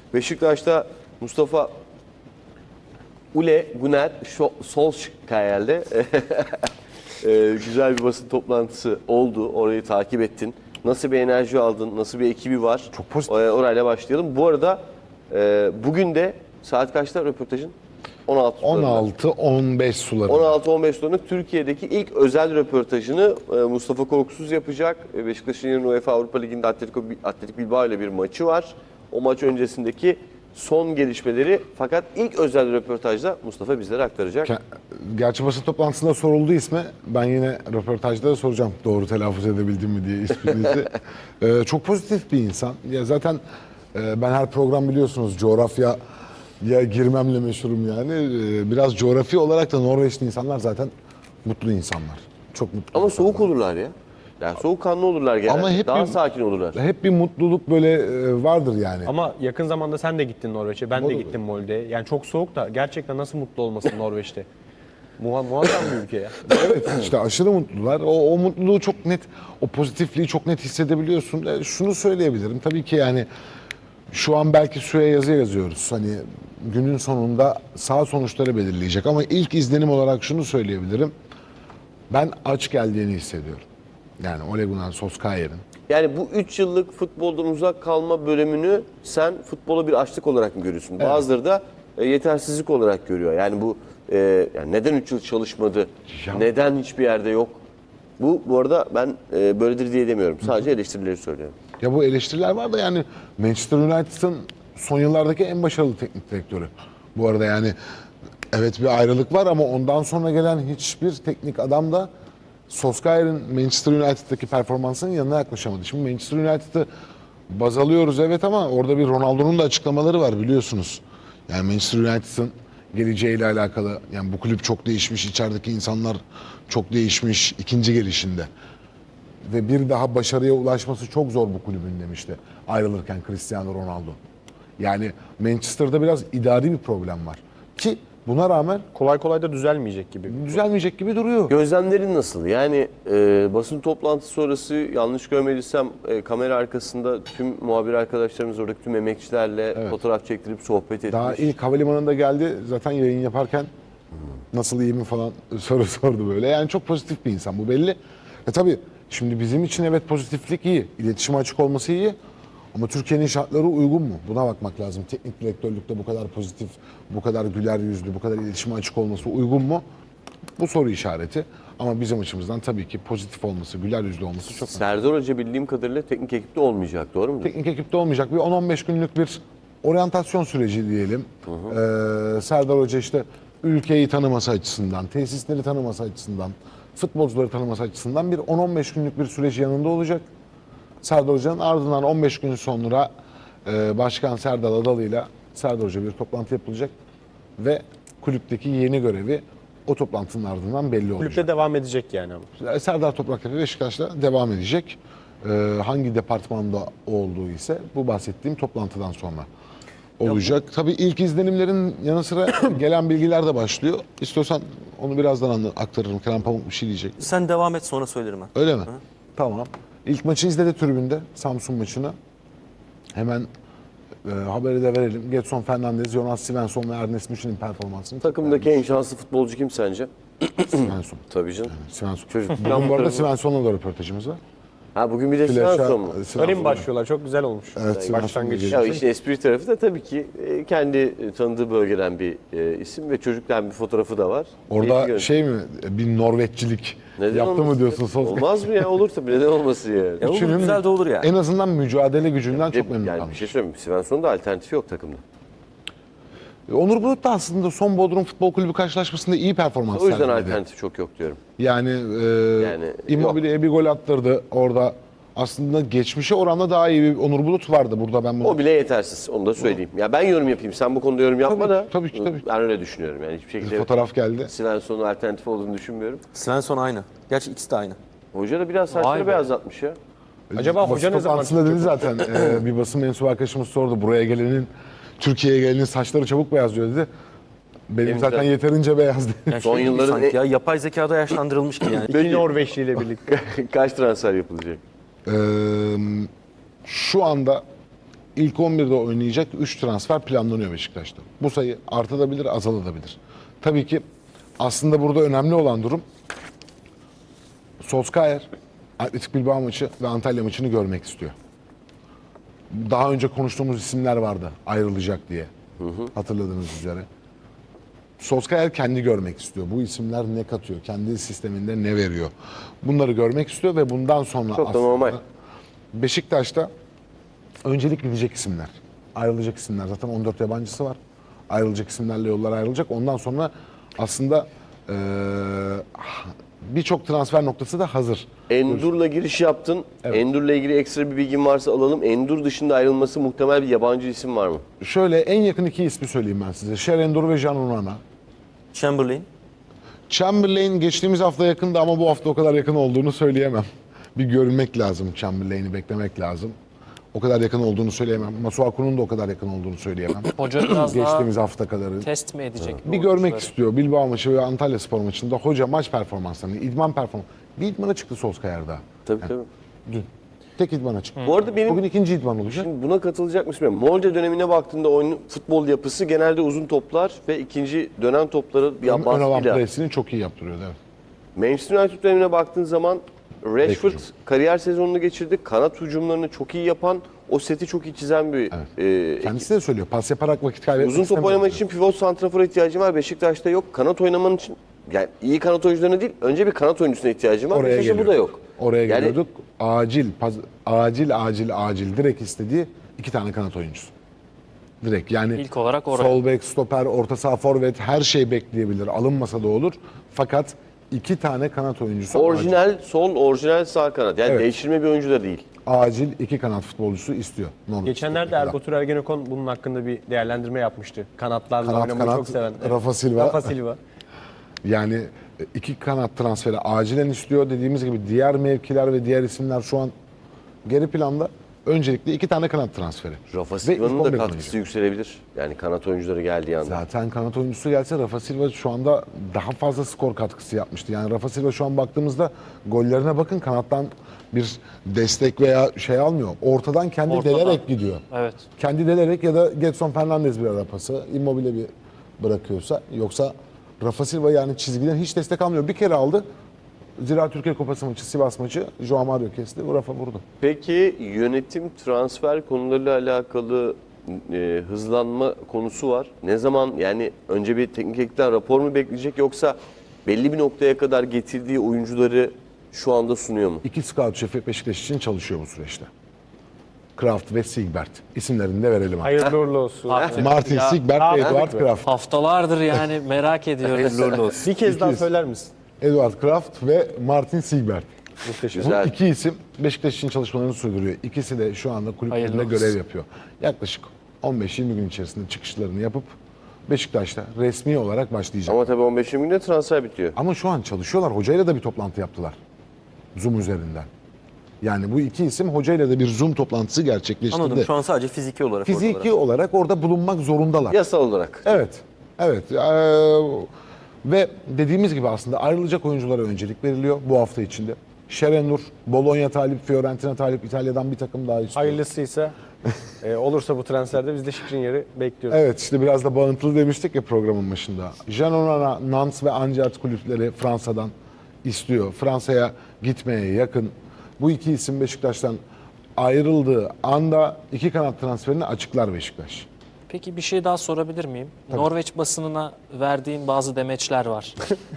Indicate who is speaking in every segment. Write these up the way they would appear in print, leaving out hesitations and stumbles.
Speaker 1: Beşiktaş'ta Mustafa Ole Gunnar Solskjaer'le güzel bir basın toplantısı oldu. Orayı takip ettin. Nasıl bir enerji aldın? Nasıl bir ekibi var?
Speaker 2: Çok pozitif.
Speaker 1: Orayla başlayalım. Bu arada bugün de saat kaçta röportajın?
Speaker 2: 16-15 sularında.
Speaker 1: 16-15 sularında Türkiye'deki ilk özel röportajını Mustafa Korkusuz yapacak. Beşiktaş'ın yarın UEFA Avrupa Ligi'nde Atletik Bilbao ile bir maçı var. O maç öncesindeki son gelişmeleri fakat ilk özel röportajda Mustafa bizlere aktaracak.
Speaker 2: Gerçi basın toplantısında soruldu ismi. Ben yine röportajda da soracağım doğru telaffuz edebildim mi diye isminizi. Çok pozitif bir insan. Ya zaten ben her program biliyorsunuz coğrafya girmemle meşhurum yani. Biraz coğrafi olarak da Norveçli insanlar zaten mutlu insanlar. Çok mutlu.
Speaker 1: Ama
Speaker 2: insanlar.
Speaker 1: soğuk olurlar ya. Yani soğukkanlı olurlar genelde.
Speaker 2: Ama hep
Speaker 1: daha
Speaker 2: bir-
Speaker 1: sakin olurlar.
Speaker 2: Hep bir mutluluk böyle vardır yani.
Speaker 3: Ama yakın zamanda sen de gittin Norveç'e, ben de
Speaker 2: Doğru.
Speaker 3: gittim Molde'ye. Yani çok soğuk da gerçekten nasıl mutlu olmasın Norveç'te? Muazzam bir ülke ya.
Speaker 2: Evet işte aşırı mutlular. O mutluluğu çok net, o pozitifliği çok net hissedebiliyorsun. Şunu söyleyebilirim tabii ki yani şu an belki suya yazı yazıyoruz. Hani günün sonunda sağ sonuçları belirleyecek ama ilk izlenim olarak şunu söyleyebilirim. Ben aç geldiğini hissediyorum. Yani Ole Gunnar Solskjaer'in.
Speaker 1: Yani bu 3 yıllık futboldan uzak kalma bölümünü sen futbola bir açlık olarak mı görüyorsun?
Speaker 2: Evet.
Speaker 1: Bazıları da yetersizlik olarak görüyor. Yani bu yani neden 3 yıl çalışmadı?
Speaker 2: Ya-
Speaker 1: Neden hiçbir yerde yok? Bu arada ben böyledir diye demiyorum. Sadece eleştirileri söylüyorum.
Speaker 2: Ya bu eleştiriler var da yani Manchester United'ın son yıllardaki en başarılı teknik direktörü. Bu arada yani evet bir ayrılık var ama ondan sonra gelen hiçbir teknik adam da Solskjaer'in Manchester United'daki performansının yanına yaklaşamadı. Şimdi Manchester United'ı baz alıyoruz evet ama orada bir Ronaldo'nun da açıklamaları var biliyorsunuz. Yani Manchester United'ın geleceğiyle alakalı yani bu kulüp çok değişmiş, içerideki insanlar çok değişmiş ikinci gelişinde. Ve bir daha başarıya ulaşması çok zor bu kulübün demişti ayrılırken Cristiano Ronaldo. Yani Manchester'da biraz idari bir problem var. Ki buna rağmen
Speaker 3: Kolay kolay da düzelmeyecek gibi.
Speaker 2: düzelmeyecek gibi duruyor.
Speaker 1: Gözlemlerin nasıl? Yani basın toplantısı sonrası yanlış görmediysem kamera arkasında tüm muhabir arkadaşlarımız oradaki tüm emekçilerle fotoğraf çektirip sohbet etmiş.
Speaker 2: Daha ilk havalimanında geldi zaten yayın yaparken nasıl iyi mi falan soru sordu böyle. Yani çok pozitif bir insan bu belli. Tabii şimdi bizim için evet pozitiflik iyi. İletişime açık olması iyi. Ama Türkiye'nin şartları uygun mu? Buna bakmak lazım. Teknik direktörlükte bu kadar pozitif, bu kadar güler yüzlü, bu kadar iletişime açık olması uygun mu? Bu soru işareti. Ama bizim açımızdan tabii ki pozitif olması, güler yüzlü olması çok önemli.
Speaker 1: Serdar Hoca bildiğim kadarıyla teknik ekipte olmayacak, doğru mu?
Speaker 2: Teknik ekipte olmayacak bir 10-15 günlük bir oryantasyon süreci diyelim. Serdar Hoca işte ülkeyi tanıması açısından, tesisleri tanıması açısından, futbolcuları tanıması açısından bir 10-15 günlük bir süreci yanında olacak. Serdar Hoca'nın ardından 15 gün sonra Başkan Serdar Adalı'yla Serdar Hoca bir toplantı yapılacak ve kulüpteki yeni görevi o toplantının ardından belli olacak.
Speaker 3: Kulüpte devam edecek yani ama.
Speaker 2: Serdar Topraktepe Beşiktaş'la devam edecek. Hangi departmanda olduğu ise bu bahsettiğim toplantıdan sonra olacak. Tabii ilk izlenimlerin yanı sıra gelen bilgiler de başlıyor. İstiyorsan onu birazdan aktarırım. Kerem Pamuk bir şey diyecek.
Speaker 4: Sen devam et sonra söylerim ben.
Speaker 2: Öyle mi? Tamam. İlk maçı izledi tribünde, Samsun maçını. Hemen haberi de verelim. Gedson Fernandez, Jonas Svensson ve Ernest Müşin'in performansını.
Speaker 1: Takımdaki en şanslı futbolcu kim sence?
Speaker 2: Svensson.
Speaker 1: Tabii canım.
Speaker 2: Svensson.
Speaker 1: Çocuk
Speaker 2: Bugün bu arada Svensson'la da röportajımız var.
Speaker 1: Ha bugün bir de
Speaker 2: Flaşa-
Speaker 1: Svensson mu?
Speaker 3: Öyle mi başlıyorlar? Çok güzel olmuş.
Speaker 2: Evet,
Speaker 3: Başlangıç.
Speaker 2: Svensson
Speaker 1: Ya işin espri tarafı da tabii ki kendi tanıdığı bölgeden bir isim ve çocuktan bir fotoğrafı da var. Keyifli
Speaker 2: Orada
Speaker 1: görünüyor.
Speaker 2: şey mi, bir Norveççilik
Speaker 1: Neden
Speaker 2: yaptı mı
Speaker 1: olmasın?
Speaker 2: diyorsun Solskjaer?
Speaker 1: Olmaz mı ya? Olur tabii. Neden olmasın yani?
Speaker 4: Ya olur,
Speaker 2: Üçünün
Speaker 4: güzel de olur ya.
Speaker 2: En azından mücadele gücünden çok memnun
Speaker 1: Yani bir
Speaker 2: kalmış.
Speaker 1: şey söyleyeyim. Svensson'un da alternatifi yok takımda.
Speaker 2: Onur Bulut da aslında son Bodrum Futbol Kulübü karşılaşmasında iyi performans
Speaker 1: O yüzden
Speaker 2: sergiledi.
Speaker 1: alternatif çok yok diyorum.
Speaker 2: Yani,
Speaker 1: Yani
Speaker 2: Immobile'ye bir gol attırdı orada. Aslında geçmişe oranla daha iyi bir Onur Bulut vardı burada ben bunu.
Speaker 1: O bile yetersiz. Onu da söyleyeyim. Ya ben yorum yapayım. Sen bu konuda yorum yapma
Speaker 2: Tabii,
Speaker 1: da.
Speaker 2: tabii ki, tabii.
Speaker 1: Ben öyle düşünüyorum. Yani hiçbir şekilde
Speaker 2: Fotoğraf geldi.
Speaker 1: Svensson'un alternatif olduğunu düşünmüyorum.
Speaker 4: Svensson aynı. Gerçi ikisi de aynı.
Speaker 1: Hoca da biraz saçları
Speaker 3: Vay be.
Speaker 1: beyazlatmış ya.
Speaker 3: Acaba
Speaker 2: Basın
Speaker 3: hoca ne zaman
Speaker 2: toplantısında
Speaker 3: çıkacak?
Speaker 2: dedi zaten bir basın mensubu arkadaşımız sordu. Buraya gelenin, Türkiye'ye gelenin saçları çabuk beyazlıyor dedi. Benim zaten yeterince beyazdı.
Speaker 4: Yani
Speaker 1: Son
Speaker 4: şey gibi
Speaker 1: yılların
Speaker 4: sanki ya yapay zekada yaşlandırılmış gibi yani.
Speaker 3: İki Norveçli ile birlikte.
Speaker 1: Kaç transfer yapılacak?
Speaker 2: Şu anda ilk 11'de oynayacak 3 transfer planlanıyor Beşiktaş'ta. Bu sayı artabilir, azalabilir. Tabii ki aslında burada önemli olan durum Solskjaer Atletik Bilbao maçı ve Antalya maçını görmek istiyor. Daha önce konuştuğumuz isimler vardı ayrılacak diye. Hatırladığınız üzere. Solskjaer kendi görmek istiyor. Bu isimler ne katıyor? Kendi sisteminde ne veriyor? Bunları görmek istiyor ve bundan sonra
Speaker 1: Çok da normal.
Speaker 2: Beşiktaş'ta öncelik gidecek isimler. Ayrılacak isimler. Zaten 14 yabancısı var. Ayrılacak isimlerle yollar ayrılacak. Ondan sonra aslında birçok transfer noktası da hazır.
Speaker 1: Endur'la giriş yaptın. Endur'la ilgili ekstra bir bilgin varsa alalım. Endur dışında ayrılması muhtemel bir yabancı isim var mı?
Speaker 2: Şöyle en yakın iki ismi söyleyeyim ben size. Şerendur ve Can Onana.
Speaker 4: Chamberlain.
Speaker 2: Chamberlain geçtiğimiz hafta yakındı ama bu hafta o kadar yakın olduğunu söyleyemem. Bir görmek lazım Chamberlain'i, beklemek lazım. O kadar yakın olduğunu söyleyemem. Masuaku'nun da o kadar yakın olduğunu söyleyemem.
Speaker 5: Hoca biraz daha
Speaker 2: Geçtiğimiz hafta kadarı.
Speaker 5: test mi edecek?
Speaker 2: Bir görmek istiyor. Bilbao maçı ve Antalya Spor maçında hoca maç performanslarını, idman performansı. Bir idmana çıktı Solskjaer daha.
Speaker 1: Tabii.
Speaker 2: Dün. Tek idmana çıktı.
Speaker 1: Bu arada benim
Speaker 2: Bugün ikinci idman olacak.
Speaker 1: şimdi buna katılacak mısın bilmiyorum. Molde dönemine baktığında oyunun futbol yapısı genelde uzun toplar ve ikinci dönen topları bir
Speaker 2: Ön alan
Speaker 1: baskıyla.
Speaker 2: presini çok iyi yaptırıyordu. Evet.
Speaker 1: Manchester United dönemine baktığın zaman Rashford
Speaker 2: hücum.
Speaker 1: kariyer sezonunu geçirdi. Kanat hücumlarını çok iyi yapan, o seti çok iyi çizen bir
Speaker 2: Kendisi de söylüyor. Pas yaparak vakit kaybetmek
Speaker 1: uzun top
Speaker 2: istemiyorum
Speaker 1: oynamak
Speaker 2: diyor.
Speaker 1: için pivot santrafora ihtiyacım var. Beşiktaş'ta yok. Kanat oynaman için yani iyi kanat oyuncularına değil, önce bir kanat oyuncusuna ihtiyacım var.
Speaker 2: Oraya
Speaker 1: Beşiktaş'ta bu da yok.
Speaker 2: Oraya
Speaker 1: Yani
Speaker 2: geliyorduk. Acil direkt istediği iki tane kanat oyuncusu. Direkt yani
Speaker 5: İlk olarak oraya.
Speaker 2: sol bek, stoper, orta saha, forvet her şey bekleyebilir. Alınmasa da olur. Fakat iki tane kanat oyuncusu
Speaker 1: orijinal sol, orijinal sağ kanat. Yani
Speaker 2: Evet.
Speaker 1: değiştirme bir oyuncu da değil.
Speaker 2: acil iki kanat futbolcusu istiyor. Norwich
Speaker 3: Geçenlerde
Speaker 2: City'de.
Speaker 3: Erbatur Ergenekon bunun hakkında bir değerlendirme yapmıştı. Kanatlarla
Speaker 2: Kanat,
Speaker 3: oynamayı
Speaker 2: kanat,
Speaker 3: çok seven.
Speaker 2: Rafa Silva.
Speaker 3: Rafa Silva.
Speaker 2: Yani iki kanat transferi acilen istiyor. Dediğimiz gibi diğer mevkiler ve diğer isimler şu an geri planda. Öncelikle iki tane kanat transferi.
Speaker 1: Rafa
Speaker 2: Ve
Speaker 1: Silva'nın
Speaker 2: ilk
Speaker 1: da
Speaker 2: 11'de
Speaker 1: katkısı
Speaker 2: oynayacak.
Speaker 1: yükselebilir. Yani kanat oyuncuları geldiği anda.
Speaker 2: Zaten kanat oyuncusu gelse Rafa Silva şu anda daha fazla skor katkısı yapmıştı. Yani Rafa Silva şu an baktığımızda gollerine bakın kanattan bir destek veya şey almıyor. Ortadan kendi
Speaker 5: Ortadan.
Speaker 2: delerek gidiyor.
Speaker 5: Evet.
Speaker 2: Kendi delerek ya da Gedson Fernandez bir ara pası, Immobile bir bırakıyorsa. Yoksa Rafa Silva yani çizgiden hiç destek almıyor. Bir kere aldı. Zira Türkiye Kupası maçı, Sivas maçı Joao Mario kesti. Bu Rafa vurdu.
Speaker 1: Peki yönetim transfer konularıyla alakalı hızlanma konusu var. Ne zaman yani önce bir teknik ekipten rapor mu bekleyecek yoksa belli bir noktaya kadar getirdiği oyuncuları şu anda sunuyor mu?
Speaker 2: İki scout şefi Beşiktaş için çalışıyor bu süreçte. Kraft ve Sigbert. İsimlerini de verelim.
Speaker 3: Hayırlı uğurlu olsun.
Speaker 2: Martin
Speaker 5: Ya,
Speaker 2: Sigbert ve Eduard Kraft.
Speaker 5: Haftalardır yani merak ediyoruz.
Speaker 3: Bir kez daha
Speaker 2: İkiz.
Speaker 3: söyler misin?
Speaker 2: Eduard Kraft ve Martin Sigbert.
Speaker 3: Muhteşem.
Speaker 2: Bu
Speaker 1: Güzel.
Speaker 2: iki isim Beşiktaş için çalışmalarını sürdürüyor. İkisi de şu anda kulüplerinde
Speaker 5: Hayırlı olsun.
Speaker 2: görev yapıyor. Yaklaşık 15-20 gün içerisinde çıkışlarını yapıp Beşiktaş'ta resmi olarak başlayacak.
Speaker 1: Ama tabii 15 günde transfer bitiyor.
Speaker 2: Ama şu an çalışıyorlar. Hocayla da bir toplantı yaptılar. Zoom üzerinden. Yani bu iki isim hocayla da bir Zoom toplantısı gerçekleştirdi.
Speaker 4: Anladım. Şu an sadece fiziki olarak
Speaker 2: Fiziki
Speaker 4: oradalar.
Speaker 2: olarak orada bulunmak zorundalar.
Speaker 1: Yasal olarak.
Speaker 2: Evet. Evet. Ve dediğimiz gibi aslında ayrılacak oyunculara öncelik veriliyor bu hafta içinde. Şerenur, Bologna talip, Fiorentina talip, İtalya'dan bir takım daha istiyor.
Speaker 3: Hayırlısıysa olursa bu transferde biz de Skriniar'ı bekliyoruz.
Speaker 2: Evet işte biraz da bağıntılı demiştik ya programın başında. Jean Onana, Nantes ve Angers kulüpleri Fransa'dan istiyor. Fransa'ya gitmeye yakın. Bu iki isim Beşiktaş'tan ayrıldığı anda iki kanat transferini açıklar Beşiktaş.
Speaker 5: Peki bir şey daha sorabilir miyim? Norveç basınına verdiğin bazı demeçler var.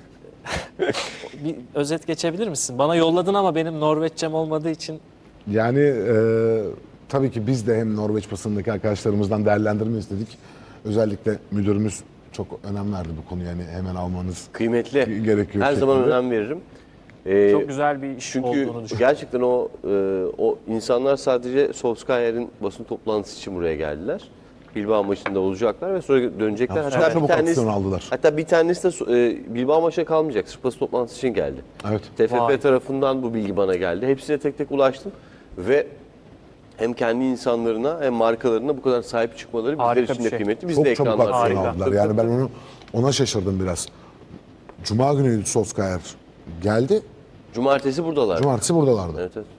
Speaker 5: Bir özet geçebilir misin? Bana yolladın ama benim Norveççem olmadığı için
Speaker 2: Yani tabii ki biz de hem Norveç basınındaki arkadaşlarımızdan değerlendirme istedik. Özellikle müdürümüz çok önem verdi bu konuya. Yani hemen almanız
Speaker 1: Kıymetli.
Speaker 2: gerekiyor.
Speaker 1: Her zaman
Speaker 2: şeklinde.
Speaker 1: önem veririm.
Speaker 5: çok güzel bir iş
Speaker 1: Çünkü
Speaker 5: olduğunu düşünüyorum.
Speaker 1: gerçekten o insanlar sadece Solskjaer'in basın toplantısı için buraya geldiler. Bilbao maçında olacaklar ve sonra dönecekler.
Speaker 2: Ya, çok çabuk aksiyon aldılar.
Speaker 1: Hatta bir tanesi de Bilbao maçına kalmayacak. Sırf basın toplantısı için geldi.
Speaker 2: Evet.
Speaker 1: TFF
Speaker 5: Vay.
Speaker 1: tarafından bu bilgi bana geldi. Hepsine tek tek ulaştım ve hem kendi insanlarına hem markalarına bu kadar sahip çıkmaları bizler
Speaker 5: Harika
Speaker 1: için
Speaker 5: bir
Speaker 1: de
Speaker 5: şey.
Speaker 1: kıymetli. Biz de
Speaker 2: Çok çabuk
Speaker 1: ekranlarda.
Speaker 2: aksiyon
Speaker 5: Harika.
Speaker 2: aldılar. Yani ben ona şaşırdım biraz. Cuma günü Solskjaer geldi.
Speaker 1: Cumartesi buradalar.
Speaker 2: Cumartesi buradalardı.
Speaker 1: Evet, evet.